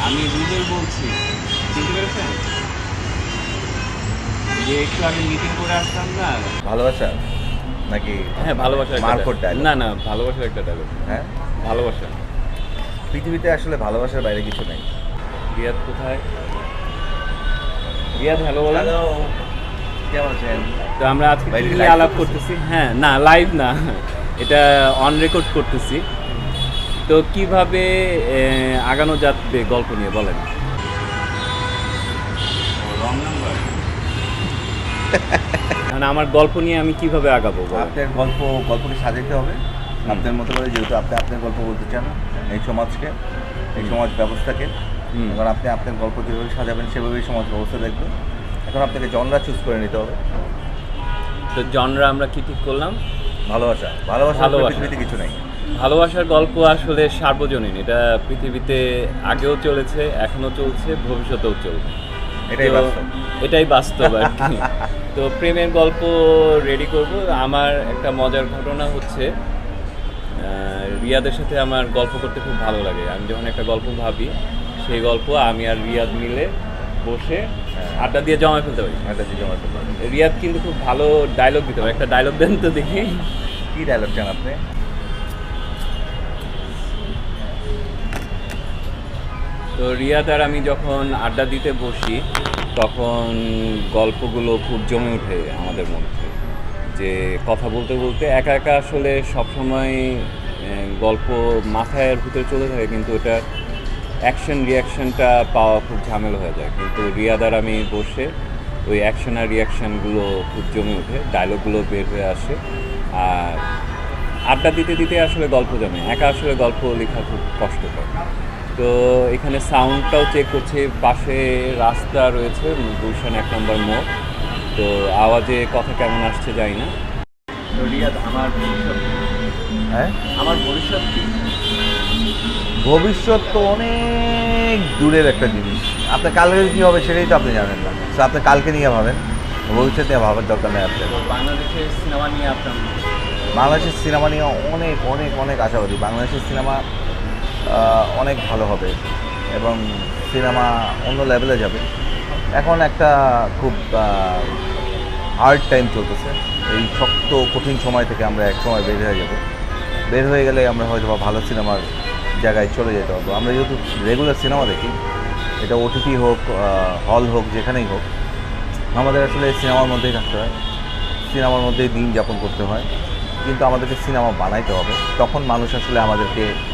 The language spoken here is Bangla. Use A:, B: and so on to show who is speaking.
A: আমি রুবেল বলছি, চিনতে পেরেছেন? যে একটু আগে মিটিং করে আসলাম না।
B: ভালোবাসা নাকি?
A: হ্যাঁ, ভালোবাসার একটা
B: মারকট
A: dialogue।
B: ডায়লগ?
A: না না, ভালোবাসার একটা ডায়লগ।
B: হ্যাঁ,
A: ভালোবাসা।
B: পৃথিবীতে আসলে ভালোবাসার বাইরে কিছু নেই।
A: রিয়াদ কোথায়? রিয়াদ হ্যালো বলেন।
B: কেমন আছেন?
A: তো আমরা আজকে
B: ভাই,
A: কি
B: এটা
A: নিয়ে
B: live
A: আলাপ
B: করতেছি?
A: করতেছি? হ্যাঁ, না লাইভ না, এটা অন রেকর্ড করতেছি। তো কিভাবে আগানো যাবে গল্প নিয়ে বলেন। Wrong number. মানে আমার গল্প নিয়ে আমি কিভাবে আগাবো বলেন?
B: আপনার গল্পকে সাজাতে হবে আপনার মতো করে, যেহেতু আপনি আপনার গল্প বলতে চান এই সমাজকে, এই সমাজ ব্যবস্থাকে। এখন আপনি আপনার গল্প যেভাবে সাজাবেন সেভাবেই সমাজ ব্যবস্থা দেখবে। এখন আপনাকে জনরা চুজ করে নিতে হবে।
A: তো জনরা আমরা কি ঠিক করলাম?
B: ভালোবাসা ভালোবাসা
A: ভালোবাসা।
B: পৃথিবীতে কিছু নেই।
A: ভালোবাসার গল্প আসলে সার্বজনীন, এটা পৃথিবীতে আগেও চলেছে, এখনো চলছে, ভবিষ্যতেও চলবে।
B: এটাই
A: তো
B: বাস্তব।
A: এটাই বাস্তব আর কি। তো প্রেমের গল্প রেডি করব। আমার একটা মজার ঘটনা হচ্ছে, রিয়াদের সাথে আমার গল্প করতে খুব ভালো লাগে। আমি যখন একটা গল্প ভাবি, সেই গল্প আমি আর রিয়াদ মিলে বসে আড্ডা দিয়ে জমা ফেলতে পারি।
B: একটা জিনিস আমার খুব ভালো।
A: রিয়াদ কিন্তু খুব ভালো ডায়লগ দিতে পারে। একটা ডায়লগ দেন তো দেখি।
B: কি ডায়লগ চান আপনি?
A: তো রিয়াদ আর আমি যখন আড্ডা দিতে বসি, তখন গল্পগুলো খুব জমে ওঠে আমাদের মধ্যে। যে কথা বলতে বলতে একা একা আসলে সবসময় গল্প মাথায় ভিতরে চলে থাকে, কিন্তু ওটা অ্যাকশন রিয়াকশনটা পাওয়া খুব ঝামেলা হয়ে যায়। কিন্তু রিয়াদ আর আমি বসে ওই অ্যাকশন আর রিয়াকশানগুলো খুব জমে ওঠে, ডায়লগগুলো বের হয়ে আসে। আর আড্ডা দিতে দিতে আসলে গল্প জমে, একা আসলে গল্প লেখা খুব কষ্টকর। তো এখানে সাউন্ডটাও চেক করছে, পাশে রাস্তা রয়েছে, গুলশান 1 নম্বর মোড়। তো আওয়াজে কথা কেমন আসছে জানি না। তো রিয়াদ, আমার ভবিষ্যৎ,
B: হ্যাঁ,
A: আমার ভবিষ্যৎ কি?
B: ভবিষ্যৎ তো অনেক দূরের একটা জিনিস। আপনার কালকে কী হবে সেটাই তো আপনি জানেন না। তো আপনি কালকে নিয়ে ভাবেন, ভবিষ্যৎ নিয়ে ভাবার দরকার নেই আপনার।
A: তো বাংলাদেশের সিনেমা নিয়ে আপনার
B: বাংলাদেশের সিনেমা নিয়ে অনেক অনেক অনেক আশাবাদী। বাংলাদেশের সিনেমা অনেক ভালো হবে এবং সিনেমা অন্য লেভেলে যাবে। এখন একটা খুব হার্ড টাইম চলতেছে। এই শক্ত কঠিন সময় থেকে আমরা এক সময় বের হয়ে যাব। বের হয়ে গেলে আমরা হয়তো বা ভালো সিনেমার জায়গায় চলে যেতে পারবো। আমরা যেহেতু রেগুলার সিনেমা দেখি, এটা ওটিটি হোক, হল হোক, যেখানেই হোক, আমাদের আসলে সিনেমার মধ্যেই থাকতে হয়, সিনেমার মধ্যেই দিন যাপন করতে হয়। কিন্তু আমাদেরকে সিনেমা বানাইতে হবে, তখন মানুষ আসলে আমাদেরকে